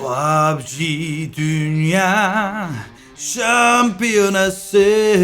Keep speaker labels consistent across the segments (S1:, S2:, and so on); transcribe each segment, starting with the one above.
S1: PUBG Dünya Şampiyonası.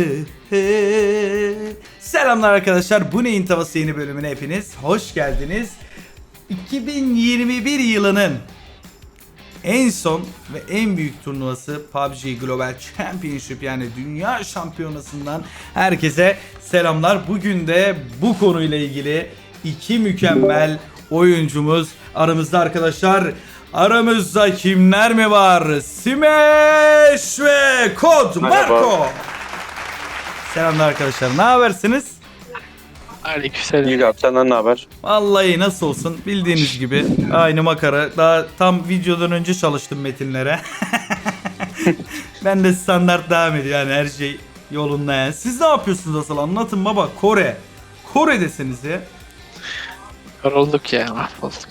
S1: Selamlar arkadaşlar. Bu neyin tavası yeni bölümüne hepiniz hoş geldiniz. 2021 yılının en son ve en büyük turnuvası PUBG Global Championship, yani Dünya Şampiyonası'ndan herkese selamlar. Bugün de bu konuyla ilgili iki mükemmel oyuncumuz aramızda arkadaşlar. Aramızda kimler mi var? Smash ve Kod Marco. Selamlar arkadaşlar. Ne habersiniz?
S2: Aleykümselam.
S3: İyi abi, senden ne haber?
S1: Vallahi nasıl olsun, bildiğiniz gibi aynı makara. Daha tam videodan önce çalıştım metinlere. Ben de standart devam ediyor, yani her şey yolunda yani. Siz ne yapıyorsunuz asıl, anlatın baba. Kore'desiniz ya.
S2: Yorulduk ya, mahvolduk.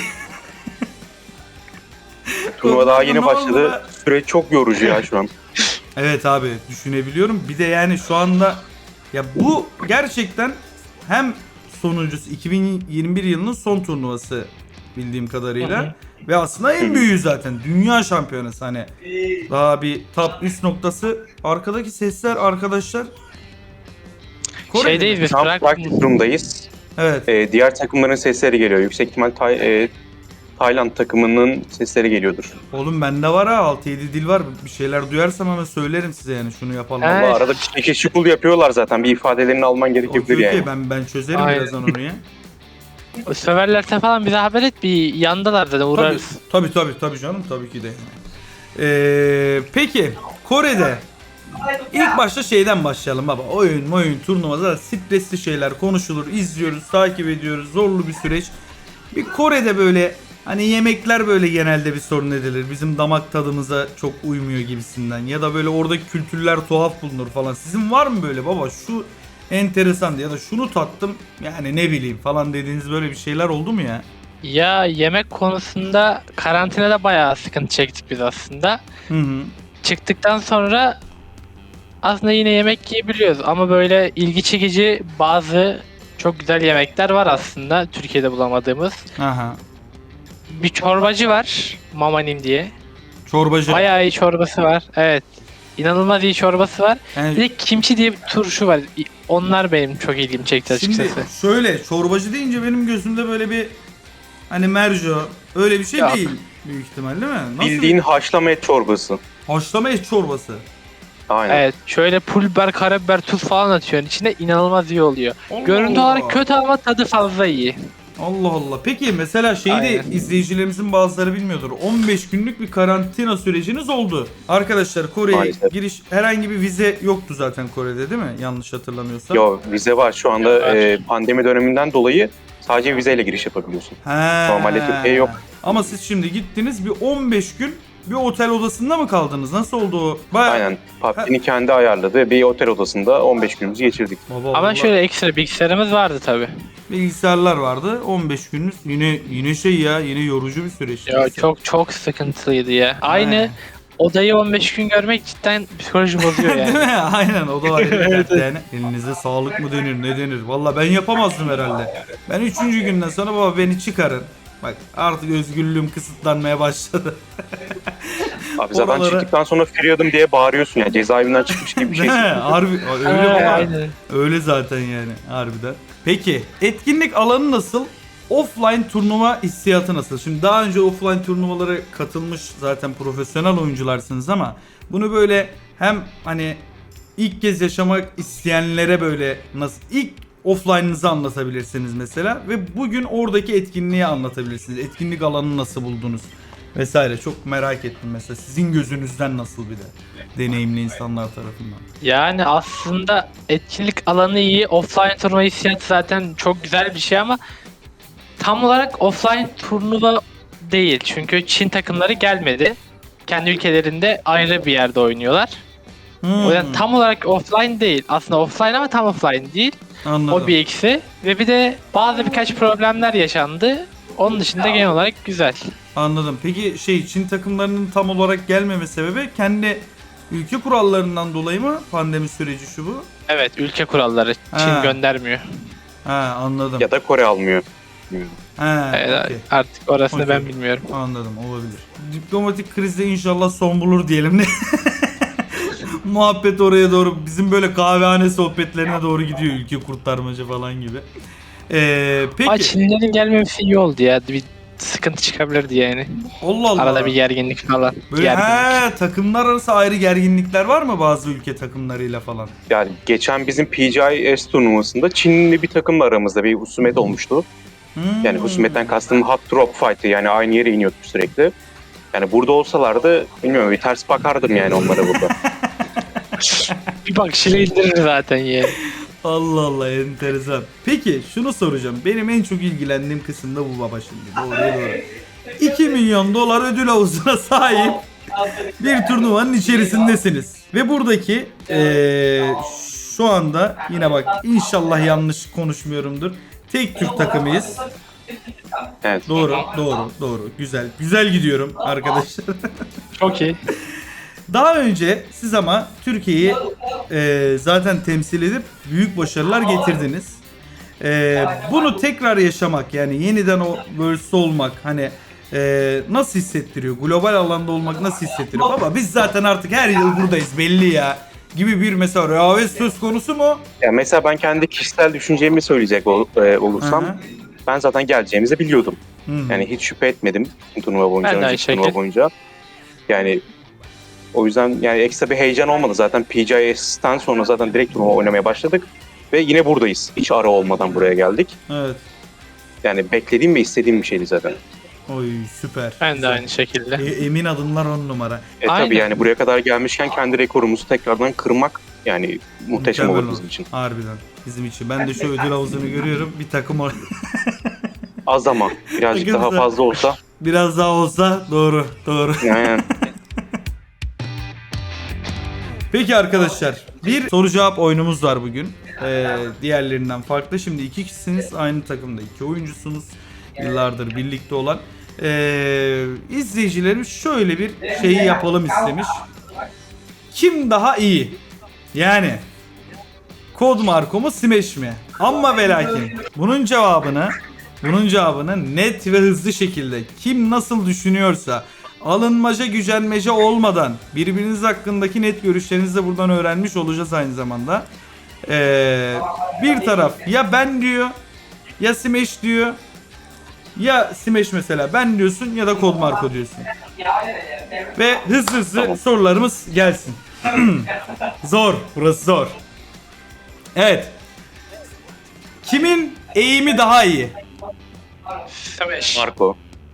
S3: Turnuva daha yeni
S1: Ne
S3: başladı.
S1: oldu?
S3: Süreç çok yorucu ya şu an.
S1: Evet abi, düşünebiliyorum. Bir de yani şu anda ya bu gerçekten hem sonuncusu 2021 yılının son turnuvası bildiğim kadarıyla.
S2: Hı hı.
S1: Ve aslında en büyüğü zaten dünya şampiyonası, hani daha bir top üst noktası. Arkadaki sesler arkadaşlar. Kore'de
S2: Şeydeyiz
S1: mi?
S2: biz,
S3: Şu an practice room'dayız.
S1: Evet.
S3: Diğer takımların sesleri geliyor. Yüksek ihtimal Tayland takımının sesleri geliyordur.
S1: Oğlum bende var ha, 6-7 dil var. Bir şeyler duyarsam hemen söylerim size, yani şunu yapalım.
S2: Evet.
S3: Ama arada bir şekil şukul yapıyorlar zaten. Bir ifadelerini alman gerekebilir
S1: Okey,
S3: yani.
S1: ben çözerim
S2: Aynen.
S1: birazdan onu ya.
S2: O severlerse falan bize haber et, bir yandalar zaten, uğrarız.
S1: Tabii canım, tabii ki de. Peki Kore'de ilk başta şeyden başlayalım baba. Oyun turnuvada stresli şeyler konuşulur, izliyoruz, takip ediyoruz, zorlu bir süreç. Bir Kore'de böyle hani yemekler böyle genelde bir sorun edilir. Bizim damak tadımıza çok uymuyor gibisinden. Ya da böyle oradaki kültürler tuhaf bulunur falan. Sizin var mı böyle baba şu enteresan ya da şunu tattım yani ne bileyim falan dediğiniz böyle bir şeyler oldu mu ya?
S2: Ya yemek konusunda karantinada bayağı sıkıntı çektik biz aslında.
S1: Hı.
S2: Çıktıktan sonra aslında yine yemek yiyebiliyoruz ama böyle ilgi çekici bazı çok güzel yemekler var aslında Türkiye'de bulamadığımız.
S1: Aha.
S2: Bir çorbacı var, Mamanim diye.
S1: Çorbacı.
S2: Bayağı iyi çorbası var. Evet. İnanılmaz iyi çorbası var.
S1: Yani
S2: Bir de kimchi diye bir turşu var. Onlar benim çok ilgimi çekti
S1: şimdi
S2: açıkçası.
S1: şöyle, çorbacı deyince benim gözümde böyle bir hani merco öyle bir şey
S2: Yok.
S1: değil büyük ihtimal, değil mi? Nasıl?
S3: Bildiğin haşlama et çorbası.
S1: Haşlama et çorbası.
S3: Aynen.
S2: Evet. Şöyle pul biber, karabiber, tuz falan atıyorsun içine, inanılmaz iyi oluyor.
S1: Allah
S2: Görüntü
S1: Allah.
S2: olarak kötü ama tadı fazla iyi.
S1: Allah Allah. Peki mesela şeyi de
S2: Aynen.
S1: izleyicilerimizin bazıları bilmiyordur. 15 günlük bir karantina süreciniz oldu. Arkadaşlar Kore'ye
S3: Maalesef.
S1: giriş, herhangi bir vize yoktu zaten Kore'de, değil mi? Yanlış hatırlamıyorsam.
S3: Yo, vize var şu anda.
S2: Var.
S3: Pandemi döneminden dolayı sadece vizeyle giriş yapabiliyorsun.
S1: He.
S3: Normalde Türkiye yok.
S1: Ama siz şimdi gittiniz, bir 15 gün bir otel odasında mı kaldınız? Nasıl oldu o? Bayağı...
S3: Aynen. PUBG'nin kendi ayarladığı bir otel odasında 15 günümüzü geçirdik.
S1: Baba,
S2: Ama
S1: vallahi
S2: şöyle ekstra bilgisayarımız vardı tabi.
S1: bilgisayarlar vardı. 15 gününüz yine şey ya, yine yorucu bir süreç.
S2: Ya çok sıkıntılıydı ya. Aynı odayı 15 gün görmek cidden psikoloji bozuyor
S1: Değil
S2: yani.
S1: mi? Aynen, o da ayrı bir dert yani. Elinize sağlık mı denir, ne denir? Valla ben yapamazdım herhalde. Ben 3. günden sonra baba beni çıkarın. Bak artık özgürlüğüm kısıtlanmaya başladı.
S3: Abi zaten
S1: Oralara-
S3: çıktıktan sonra friyadım diye bağırıyorsun ya. Cezaevinden çıkmış gibi bir şey.
S1: Değil mi? Harbi öyle
S2: Ha,
S1: baba.
S2: aynen.
S1: Öyle zaten yani harbiden. Peki etkinlik alanı nasıl? Offline turnuva hissiyatı nasıl? Şimdi daha önce offline turnuvalara katılmış zaten profesyonel oyuncularsınız ama bunu böyle hem hani ilk kez yaşamak isteyenlere böyle nasıl ilk offline'ınızı anlatabilirsiniz mesela ve bugün oradaki etkinliği anlatabilirsiniz. Etkinlik alanını nasıl buldunuz vesaire, çok merak ettim mesela sizin gözünüzden nasıl, bir de deneyimli insanlar tarafından.
S2: Yani aslında etkinlik alanı iyi. Offline turnuva hissiyatı zaten çok güzel bir şey ama tam olarak offline turnuva değil. Çünkü Çin takımları gelmedi. Kendi ülkelerinde ayrı bir yerde oynuyorlar. O yüzden tam olarak offline değil. Aslında offline ama tam offline değil.
S1: Anladım.
S2: O bir eksi. Ve bir de birkaç problemler yaşandı. Onun dışında genel olarak güzel.
S1: Anladım. Peki Çin takımlarının tam olarak gelmeme sebebi kendi ülke kurallarından dolayı mı, pandemi süreci şu bu?
S2: Evet, ülke kuralları. Çin
S1: Ha.
S2: göndermiyor.
S1: Ha, anladım.
S3: Ya da Kore almıyor.
S1: He,
S2: Evet,
S1: okey.
S2: artık orasını
S1: Okey.
S2: ben bilmiyorum.
S1: Anladım, olabilir. Diplomatik krizde inşallah son bulur diyelim ne? Muhabbet oraya doğru, bizim böyle kahvehane sohbetlerine doğru gidiyor, ülke kurtarmaca falan gibi.
S2: Ama
S1: Peki.
S2: Çinlilerin gelmemesi iyi oldu ya. Bir sıkıntı çıkabilirdi yani.
S1: Allah Allah.
S2: Arada bir gerginlik falan.
S1: Böyle
S2: Gerginlik.
S1: takımlar arası ayrı gerginlikler var mı bazı ülke takımlarıyla falan?
S3: Yani geçen bizim PGIS turnuvasında Çinli bir takımla aramızda bir husumet olmuştu. Yani husumetten kastım hot drop fight'ı, yani aynı yere iniyorduk sürekli. Yani burada olsalardı bilmiyorum, bir ters bakardım yani onlara burada.
S2: Bir bakışıyla indirir zaten yani.
S1: Allah Allah, enteresan. Peki şunu soracağım. Benim en çok ilgilendiğim kısım da bu baba şimdi. Doğruya doğru. 2 milyon dolar ödül havuzuna sahip bir turnuvanın içerisindesiniz. Ve buradaki şu anda yine bak, inşallah yanlış konuşmuyorumdur, tek Türk takımıyız.
S3: Evet.
S1: Doğru. Güzel gidiyorum arkadaşlar.
S2: Çok iyi.
S1: Daha önce siz ama Türkiye'yi zaten temsil edip büyük başarılar getirdiniz. Bunu tekrar yaşamak, yani yeniden o Worlds'te olmak hani nasıl hissettiriyor? Global alanda olmak nasıl hissettiriyor? Baba biz zaten artık her yıl buradayız belli ya gibi bir mesela rehavet söz konusu mu?
S3: Yani mesela ben kendi kişisel düşüncemi söyleyecek olursam,
S1: Hı hı.
S3: ben zaten geleceğimizi biliyordum.
S1: Hı hı.
S3: Yani hiç şüphe etmedim turnuva boyunca,
S2: Ben de aynı
S3: önceki turnuva
S2: şekilde.
S3: boyunca. Yani o yüzden yani ekstra bir heyecan olmadı zaten. PGIS'ten sonra zaten direkt turnuva oynamaya başladık. Ve yine buradayız. Hiç ara olmadan buraya geldik.
S1: Evet.
S3: Yani beklediğim ve istediğim bir şeydi zaten.
S1: Oy süper.
S2: Ben de
S1: Güzel.
S2: aynı şekilde.
S1: Emin adımlar 10 numara.
S2: Aynen.
S3: Tabii yani buraya kadar gelmişken kendi rekorumuzu tekrardan kırmak yani muhteşem
S1: Mükemmel
S3: olur bizim için.
S1: Harbiden bizim için. Ben de şu ödül havuzunu görüyorum. Bir takım
S3: Az ama birazcık
S1: Bakın
S3: daha
S1: sen-
S3: fazla olsa.
S1: biraz daha olsa doğru.
S3: Yani
S1: Peki arkadaşlar, bir soru cevap oyunumuz var bugün. Diğerlerinden farklı. Şimdi iki kişisiniz, aynı takımda iki oyuncusunuz. Yıllardır birlikte olan. İzleyicilerimiz şöyle bir şeyi yapalım istemiş. Kim daha iyi? Yani Kod Marko mu Smash mi? Ama ve lakin bunun cevabını net ve hızlı şekilde kim nasıl düşünüyorsa, alınmaca gücenmece olmadan birbiriniz hakkındaki net görüşlerinizi de buradan öğrenmiş olacağız aynı zamanda. Bir taraf ya ben diyor, ya Smash diyor, ya Smash mesela ben diyorsun ya da Kod Marko diyorsun. Ve hızlı
S3: Tamam.
S1: sorularımız gelsin. Zor, burası zor. Evet. Kimin eğimi daha iyi?
S2: Smash.
S3: Marco.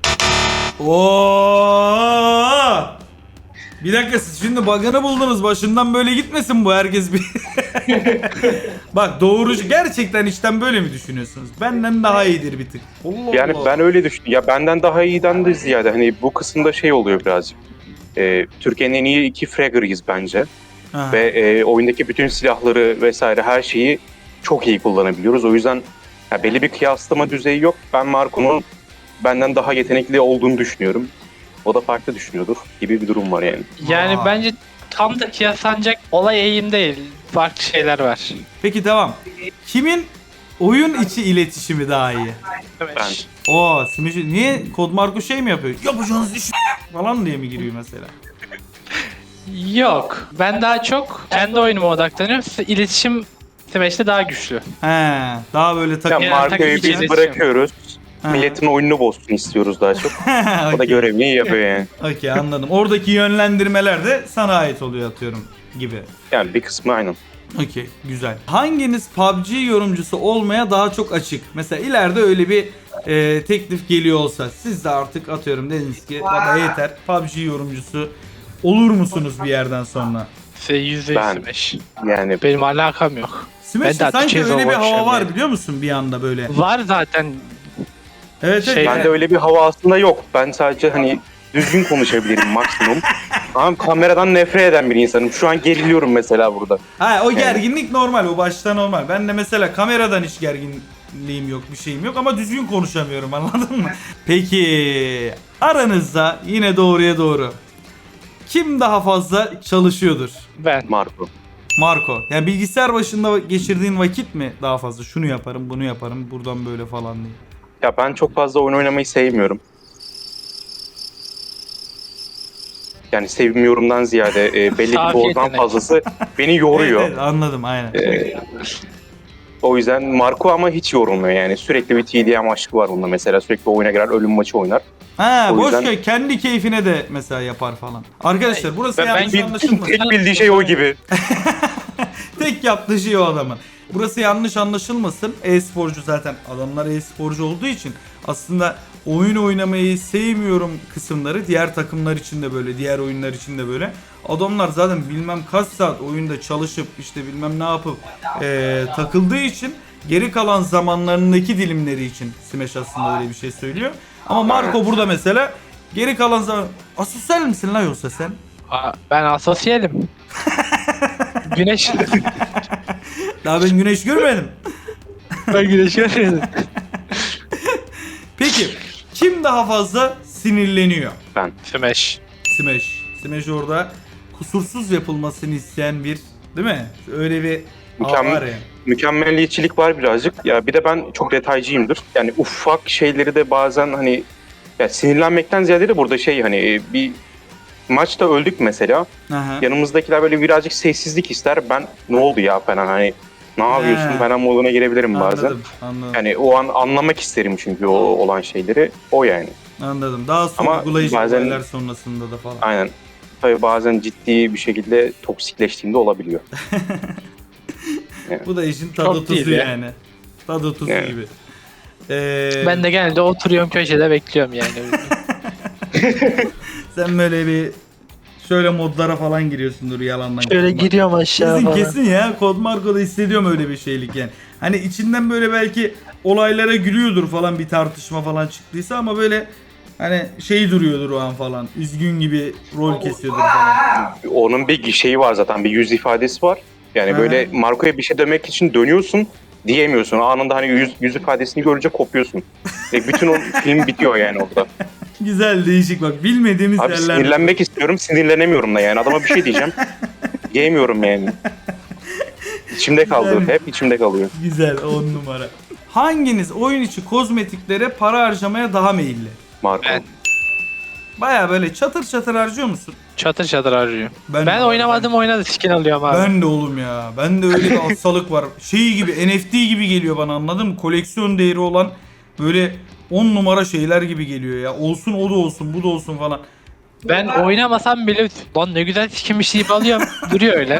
S1: Oo! Bir dakika, siz şimdi bug'ını buldunuz. Başından böyle gitmesin bu, herkes bir. Bak doğrucu, gerçekten içten böyle mi düşünüyorsunuz? Benden daha iyidir bir tık. Allah
S3: Yani
S1: Allah.
S3: ben öyle düşünüyorum. Ya benden daha iyiden de ziyade hani bu kısımda şey oluyor birazcık. Türkiye'nin en iyi iki fragger'ıyız bence.
S1: Ha.
S3: Ve oyundaki bütün silahları vesaire her şeyi çok iyi kullanabiliyoruz. O yüzden ya belli bir kıyaslama düzeyi yok. Ben Marco'nun benden daha yetenekli olduğunu düşünüyorum. O da farklı düşünüyordur gibi bir durum var yani.
S2: Yani
S1: Aa.
S2: bence tam da kıyaslanacak olay eğim değil. Farklı şeyler var.
S1: Peki devam. Kimin oyun içi iletişimi daha iyi?
S2: Smash.
S1: Oo, Smash, niye Kod Marko şey mi yapıyor? Yapacağınız iş falan diye mi giriyor mesela?
S2: Yok. Ben daha çok kendi oyunuma odaklanıyorum. İletişim Smash'te daha güçlü.
S1: He, daha böyle
S3: Ya
S1: takım.
S2: Yani
S3: Marco'yu
S2: takım
S3: biz
S2: iletişim.
S3: bırakıyoruz.
S1: Ha.
S3: Milletin oyununu bozsun istiyoruz daha çok. O da
S1: Okey.
S3: görevini iyi yapıyor yani.
S1: Okey, anladım. Oradaki yönlendirmeler de sana ait oluyor atıyorum gibi.
S3: Yani bir kısmı aynen.
S1: Okey, güzel. Hanginiz PUBG yorumcusu olmaya daha çok açık? Mesela ileride öyle bir teklif geliyor olsa, siz de artık atıyorum dediniz ki baba yeter, PUBG yorumcusu olur musunuz bir yerden sonra?
S2: %100
S3: Ben-
S2: Smash.
S3: Yani
S2: Benim alakam yok.
S1: Smash'te
S2: daha
S1: sanki
S2: Türkiye'de
S1: öyle bir hava
S2: uğraşıyorum
S1: var
S2: yani.
S1: biliyor musun bir anda böyle.
S2: Var zaten.
S1: Evet, evet.
S2: Şey-
S3: bende öyle bir hava aslında yok. Ben sadece hani düzgün konuşabilirim maksimum. Ama kameradan nefret eden bir insanım. Şu an geriliyorum mesela burada.
S1: Ha, o gerginlik normal, o başta normal. Ben de mesela kameradan hiç gerginliğim yok, bir şeyim yok ama düzgün konuşamıyorum, anladın mı? Peki aranızda yine doğruya doğru kim daha fazla çalışıyordur?
S2: Ben.
S3: Marco.
S1: Marco. Yani bilgisayar başında geçirdiğin vakit mi daha fazla? Şunu yaparım, bunu yaparım, buradan böyle falan diye.
S3: Ya ben çok fazla oyun oynamayı sevmiyorum. Yani sevmiyorumdan ziyade belli ki
S2: Safi
S3: dozdan
S2: yetenek.
S3: fazlası beni yoruyor.
S1: Evet, anladım aynen.
S3: O yüzden Marco ama hiç yorulmuyor yani. Sürekli bir TDM aşkı var bunda mesela. Sürekli oyuna girer, ölüm maçı oynar.
S1: Ha
S3: o
S1: boş
S3: yüzden-
S1: ver, kendi keyfine de mesela yapar falan. Arkadaşlar burası
S2: Ben
S1: yanlış anlaşılmasın.
S3: Tek bildiği şey o gibi.
S1: Tek yaptığı şey o adamın. Burası yanlış anlaşılmasın. E-sporcu zaten, adamlar e-sporcu olduğu için aslında oyun oynamayı sevmiyorum kısımları diğer takımlar için de böyle, diğer oyunlar için de böyle. Adamlar zaten bilmem kaç saat oyunda çalışıp işte bilmem ne yapıp takıldığı için geri kalan zamanlarındaki dilimleri için Smash aslında öyle bir şey söylüyor. Ama Marco burada mesela geri kalan zaman... Asosyal misin la yoksa sen?
S2: Ben asosyalim. Güneş.
S1: Daha ben güneş görmedim.
S2: Ben güneş görmedim.
S1: Peki kim daha fazla sinirleniyor?
S2: Smash.
S1: Smash orada kusursuz yapılmasını isteyen bir, değil mi? Öyle bir
S3: Mükemmel.
S1: var ya.
S3: Mükemmelliyetçilik var birazcık. Ya bir de ben çok detaycıyımdır. Yani ufak şeyleri de bazen hani ya sinirlenmekten ziyade de burada şey hani bir maçta öldük mesela.
S1: Aha.
S3: Yanımızdakiler böyle birazcık sessizlik ister. Ben ne oldu ya falan hani ne yapıyorsun
S1: He.
S3: falan moduna girebilirim bazen.
S1: Anladım.
S3: Yani o an anlamak isterim çünkü o olan şeyleri. O yani.
S1: Anladım. Daha
S3: Ama
S1: sorgulayıcı
S3: bazen-
S1: olaylar sonrasında da falan.
S3: Aynen. Tabii bazen ciddi bir şekilde toksikleştiğinde olabiliyor.
S1: Bu da işin tadı
S2: Çok değil
S1: tuzu
S2: ya.
S1: yani. Tadı tuzu
S3: Yani.
S1: gibi.
S2: Ben de genelde oturuyorum köşede bekliyorum yani.
S1: Sen böyle bir şöyle modlara falan giriyorsundur yalandan.
S2: Şöyle
S1: Kodmark.
S2: giriyorum aşağı
S1: Kesin
S2: falan.
S1: kesin ya. Kodmarko'da hissediyorum öyle bir şeylik yani. Hani içinden böyle belki olaylara gülüyordur falan, bir tartışma falan çıktıysa ama böyle hani şey duruyordur o an falan. Üzgün gibi rol kesiyordur falan.
S3: Onun bir şeyi var zaten, bir yüz ifadesi var. Yani
S1: Hı.
S3: böyle Marco'ya bir şey demek için dönüyorsun, diyemiyorsun. Anında hani yüz ifadesini görünce kopuyorsun. Ve bütün o film bitiyor yani orada.
S1: Güzel, değişik bak. Bilmediğimiz
S3: Abi
S1: yerler.
S3: sinirlenmek istiyorum, sinirlenemiyorum da yani. Adama bir şey diyeceğim, diyemiyorum yani. İçimde kaldı,
S1: Güzel.
S3: hep içimde kalıyor.
S1: Güzel, 10 numara. Hanginiz oyun içi kozmetiklere para harcamaya daha meyilli?
S3: Marco.
S2: Ben.
S1: Baya böyle çatır çatır harcıyor musun?
S2: Çatır çatır arıyorum.
S1: Ben
S2: Ben
S1: de-
S2: oynamadım oynadı skin alıyorum abi.
S1: Ben de oğlum ya. Ben de öyle bir hastalık var. Şey gibi, NFT gibi geliyor bana, anladın mı? Koleksiyon değeri olan böyle 10 numara şeyler gibi geliyor ya. Olsun, o da olsun, bu da olsun falan.
S2: Ben oynamasam bile lan ne güzel skinmiş deyip alıyorum. Duruyor öyle.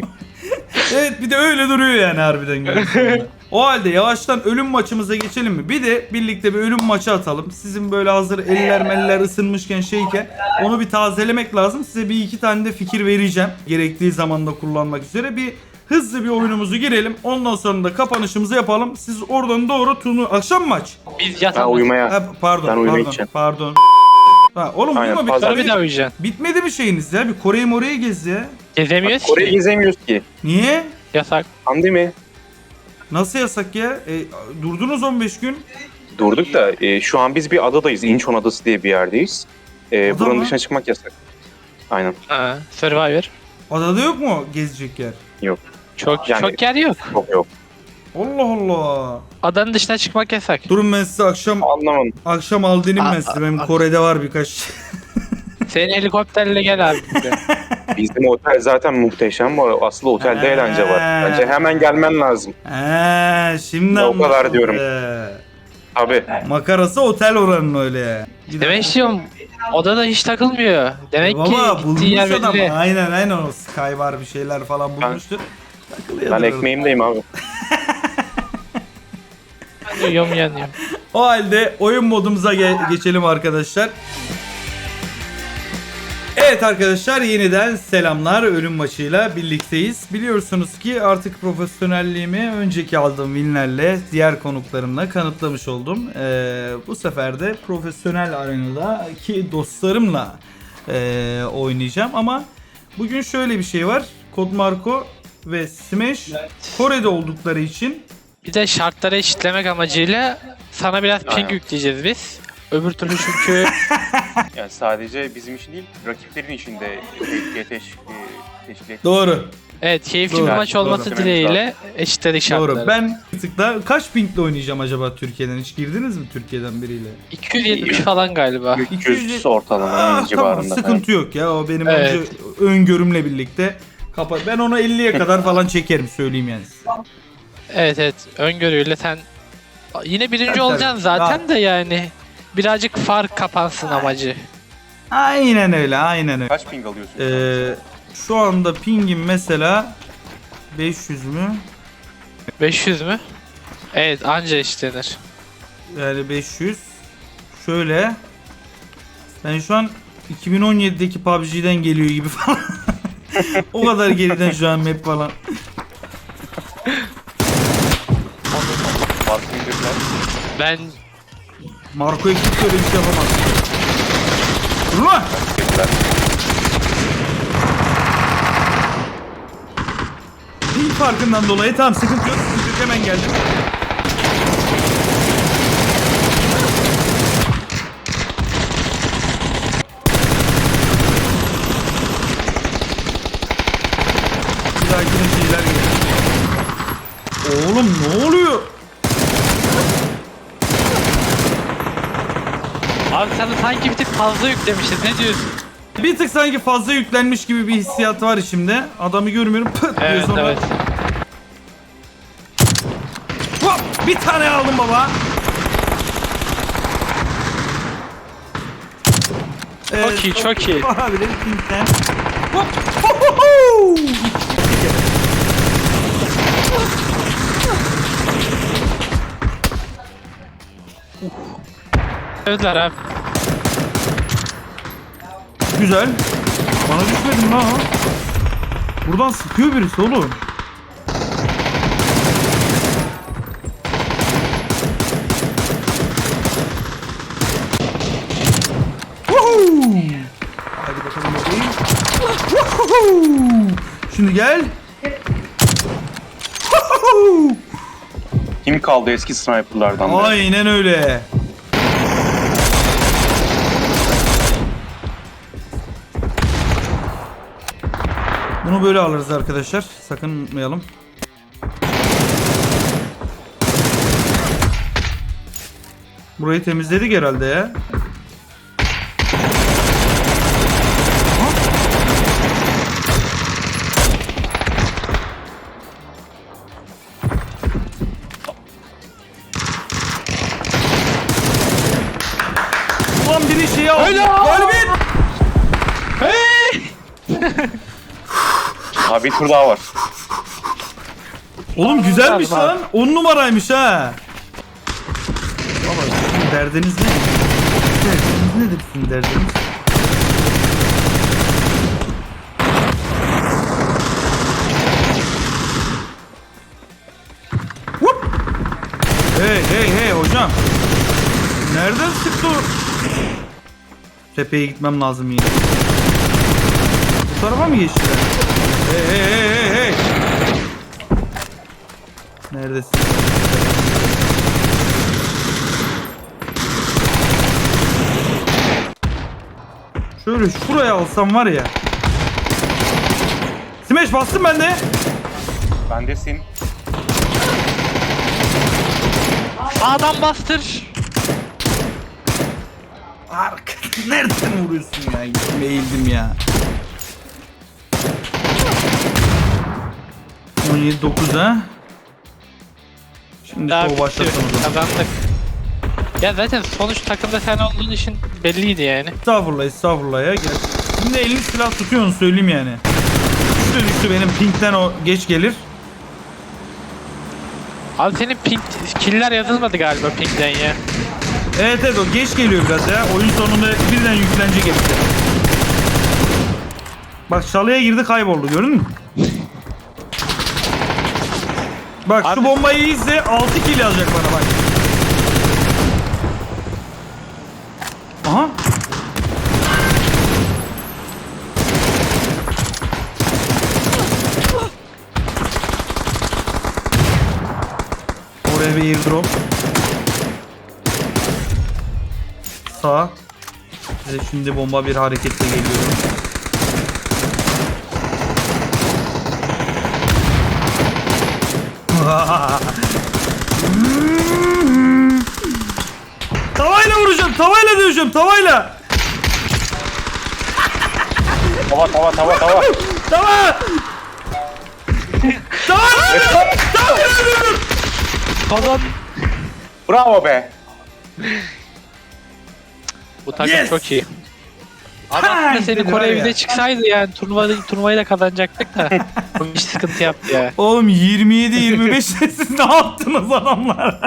S1: Evet, bir de öyle duruyor yani harbiden. görüntüsünde. O halde yavaştan ölüm maçımıza geçelim mi? Bir de birlikte bir ölüm maçı atalım. Sizin böyle hazır eller meller ısınmışken şeyken onu bir tazelemek lazım. Size bir iki tane de fikir vereceğim. Gerektiği zamanda kullanmak üzere. Bir hızlı bir oyunumuzu girelim. Ondan sonra da kapanışımızı yapalım. Siz oradan doğru akşam maç.
S2: Biz
S3: Ben
S2: yatalım.
S3: uyumaya...
S1: Ha, pardon,
S3: Ben uyumaya
S1: pardon,
S3: gideceğim.
S1: pardon. Ha, oğlum
S3: Aynen,
S1: uyuma,
S3: fazla
S2: Sonra bir daha uyuyacaksın.
S1: bitmedi mi şeyiniz ya? Bir Kore'yi morayı gez ya.
S2: Gezemiyoruz
S3: Kore'yi
S2: ki.
S3: gezemiyoruz ki.
S1: Niye?
S2: Yasak.
S3: Pandemi.
S1: Nasıl yasak ya? Durdunuz 15 gün.
S3: Durduk da şu an biz bir adadayız. İnçon Adası diye bir yerdeyiz.
S1: Ada
S3: Buranın
S1: mı?
S3: dışına çıkmak yasak. Aynen.
S2: Ha, Survivor.
S1: Adada yok mu gezecek yer?
S2: Çok
S3: Yani-
S2: çok yer yok.
S3: Çok yok.
S1: Allah Allah.
S2: Adanın dışına çıkmak yasak.
S1: Durun, ben size akşam aldırayım ben size. Benim Kore'de var birkaç.
S2: Senin helikopterle gel abi.
S3: Bizim otel zaten muhteşem. Aslı otelde eğlence var. Bence hemen gelmen lazım.
S1: Şimdi
S3: O kadar
S1: anlaşıldı.
S3: diyorum. Abi.
S1: Makarası otel oranın öyle.
S2: Demek istiyorum odada hiç takılmıyor. Demek ki
S1: Baba
S2: gittiği
S1: bulmuş
S2: yer
S1: adam.
S2: belli.
S1: Aynen o Sky var, bir şeyler falan bulmuştur. Takılıyordur
S3: Ben
S1: orada.
S3: ekmeğimdeyim abi.
S2: Ben uyuyorum yanıyorum.
S1: O halde oyun modumuza geçelim arkadaşlar. Evet arkadaşlar, yeniden selamlar. Ölüm maçıyla birlikteyiz. Biliyorsunuz ki artık profesyonelliğimi önceki aldığım winlerle, diğer konuklarımla kanıtlamış oldum. Bu sefer de profesyonel arenadaki dostlarımla oynayacağım. Ama bugün şöyle bir şey var. Kodmarko ve Smash Kore'de oldukları için
S2: Bir de şartları eşitlemek amacıyla sana biraz ping
S3: Aynen.
S2: yükleyeceğiz biz. Öbür türlü çünkü
S3: Yani sadece bizim için değil, rakiplerin için de teşkil et.
S1: doğru.
S2: Evet, keyifli
S1: Doğru,
S2: bir maç olması
S3: doğru.
S2: dileğiyle eşitledik şartları.
S1: Doğru. Ben bir tık da kaç pingle oynayacağım acaba Türkiye'den? Hiç girdiniz mi Türkiye'den biriyle?
S2: 270 falan galiba.
S3: 300 ortalama
S1: Tamam,
S3: civarında.
S1: sıkıntı yok ya. O benim
S2: Evet.
S1: öngörümle birlikte kapat. Ben ona 50'ye kadar falan çekerim, söyleyeyim yani size.
S2: Evet, öngörüyle sen yine birinci
S1: Tabii,
S2: olacaksın
S1: tabii.
S2: zaten de yani birazcık fark kapansın amacı.
S1: Aynen öyle, aynen öyle.
S3: Kaç ping alıyorsun?
S1: Şu anda pingim mesela 500 mü?
S2: 500 mü? Evet, anca eşitlenir.
S1: Yani 500. Şöyle. Ben şu an 2017'deki PUBG'den geliyor gibi falan. O kadar geriden şu an map falan.
S3: Farklı indirdiler.
S2: Ben
S1: Marco ekip böyle bir şey yapamaz. Dur lan!
S3: Teşekkürler.
S1: Ping farkından dolayı tamam, sıkıntı yok. Sıkıntı yok, hemen geldim. Bir dahakine şeyler geliyor. Oğlum ne oluyor?
S2: abi sana sanki bir tık fazla yüklemişiz. Ne diyorsun?
S1: Bir tık sanki fazla yüklenmiş gibi bir hissiyat var içimde. Adamı görmüyorum. Pıt diyor
S2: Evet,
S1: sonra.
S2: evet.
S1: Hop, bir tane aldım baba.
S2: Çok iyi, çok iyi.
S1: Olabilir. Pink'ten. Hop. Ho, ho, ho.
S2: Öldüler abi.
S1: Güzel. Bana düşmedin lan o. Buradan sıkıyor birisi oğlum. Woohoo! Hadi bakalım bakayım. Woohoo! Şimdi gel. Woohoo!
S3: Kim kaldı eski sniperlardan beri?
S1: Aynen öyle. Bunu böyle alırız arkadaşlar. Sakın unutmayalım. Burayı temizledik herhalde ya. Ulan biri şeyi aldı. Galibiyet.
S3: Ha bir tur daha var.
S1: Oğlum güzelmiş
S2: Var, var.
S1: lan. 10 numaraymış ha. Baba sizin derdiniz ne? Derdiniz nedir sizin derdiniz? Whoop! Hey hey hey hocam. Nereden sıktı o? Tepeye gitmem lazım yine. Bu tarafa mı geçtiler? Hey hey hey hey hey. Neredesin? Şöyle şuraya alsam var ya. Smash bastım ben de.
S3: Bendesin.
S2: Sağdan bastır.
S1: Arka. Nereden vuruyorsun ya? Eğildim ya. 17-9 ha. Şimdi
S2: Daha
S1: o
S2: bitti.
S1: başlasın o zaman.
S2: Kazandık. Ya zaten sonuç takımda sen olduğun için belliydi yani.
S1: Estağfurullah estağfurullah ya. Gel. Şimdi elini silah tutuyorsun söyleyeyim yani. Düştü benim pinkten o geç gelir.
S2: Abi senin ping killer yazılmadı galiba pingden ya.
S1: Evet evet o geç geliyor biraz ya. Oyun sonunda birden yüklenecek hepsi. Bak çalıya girdi kayboldu gördün mü? Bak
S2: Abi-
S1: şu bombayı izle 6 kill yazacak bana bak. Aha. Oraya bir airdrop. Sağ. Ve şimdi bomba bir hareketle geliyorum. Tavayla vuracağım, tavayla döveceğim, tavayla.
S3: Tava.
S1: Tava! Tava!
S2: Kazan.
S3: Bravo be.
S2: Bu takım
S1: Yes!
S2: çok iyi.
S1: Ha,
S2: Ama seni
S1: dedi var
S2: Kore
S1: ya.
S2: evde çıksaydı yani turnuvayı da kazanacaktık da. Bu iş sıkıntı yaptı ya.
S1: Oğlum 27-25 siz ne yaptınız adamlar?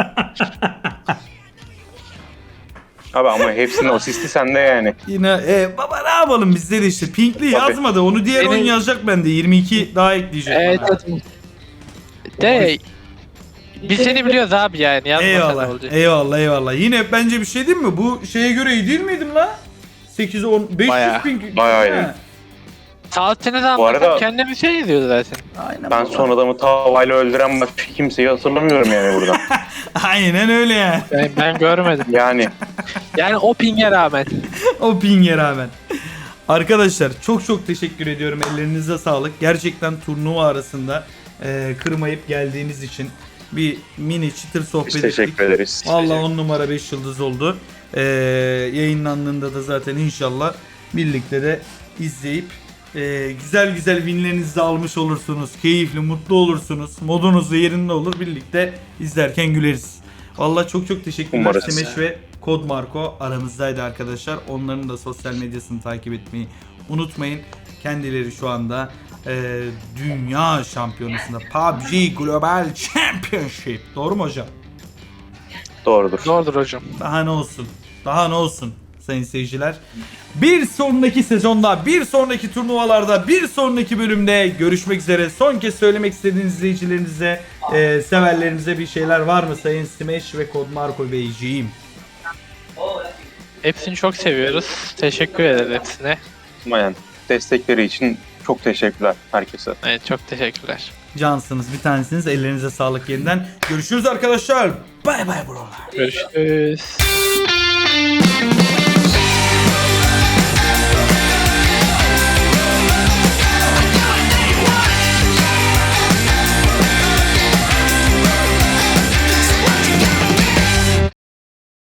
S3: Abi ama hepsinin asisti sende yani.
S1: Yine baba ne yapalım bizde de işte Pinkli
S3: Tabii.
S1: yazmadı. Onu diğer
S2: Benim-
S1: oyun yazacak bende. 22 daha ekleyecek.
S2: Evet.
S1: bana.
S2: De biz seni biliyoruz abi yani. Yazmasa ne
S1: Eyvallah.
S2: olacak?
S1: Eyvallah. Yine bence bir şey değil mi? Bu şeye göre iyi değil miydim la? 8 10 500
S2: Bayağı.
S1: pink.
S3: Bayağı iyi.
S1: Ha.
S2: Saatine de
S3: Bu arada-
S2: anlatıp kendimi şey ediyordu zaten.
S1: Aynen
S3: Ben
S1: baba.
S3: son adamı tavayla öldüren başka kimseyi hatırlamıyorum yani burada.
S1: Aynen öyle yani.
S2: Ben görmedim.
S3: Yani
S2: Yani o pinge rağmen.
S1: O pinge rağmen. Arkadaşlar çok teşekkür ediyorum. Ellerinize sağlık. Gerçekten turnuva arasında kırmayıp geldiğiniz için bir mini çıtır sohbet
S3: biz
S1: ettik.
S3: teşekkür ederiz.
S1: Vallahi 10 numara 5 yıldız oldu. Yayınlandığında da zaten inşallah birlikte de izleyip güzel winlerinizi de almış olursunuz. Keyifli, mutlu olursunuz. Modunuz da yerinde olur. Birlikte izlerken güleriz. Vallahi çok teşekkürler.
S3: Umarız.
S1: Semeş ve Kod Marco aramızdaydı arkadaşlar. Onların da sosyal medyasını takip etmeyi unutmayın. Kendileri şu anda dünya şampiyonasında PUBG Global Championship. Doğru mu hocam?
S3: Doğrudur.
S2: Zordur hocam.
S1: Daha ne olsun? Daha ne olsun sayın seyirciler? Bir sonraki sezonda, bir sonraki turnuvalarda, bir sonraki bölümde görüşmek üzere. Son kez söylemek istediğiniz izleyicilerinize, severlerinize bir şeyler var mı sayın Smash ve Kod Marco Beyciğim?
S2: Hepsini çok seviyoruz. Teşekkür ederiz hepsine.
S3: Yani destekleri için çok teşekkürler herkese.
S2: Evet çok teşekkürler.
S1: Cansınız, bir tanesiniz. Ellerinize sağlık yeniden. Görüşürüz arkadaşlar. Bay bay buralar.
S2: Görüşürüz.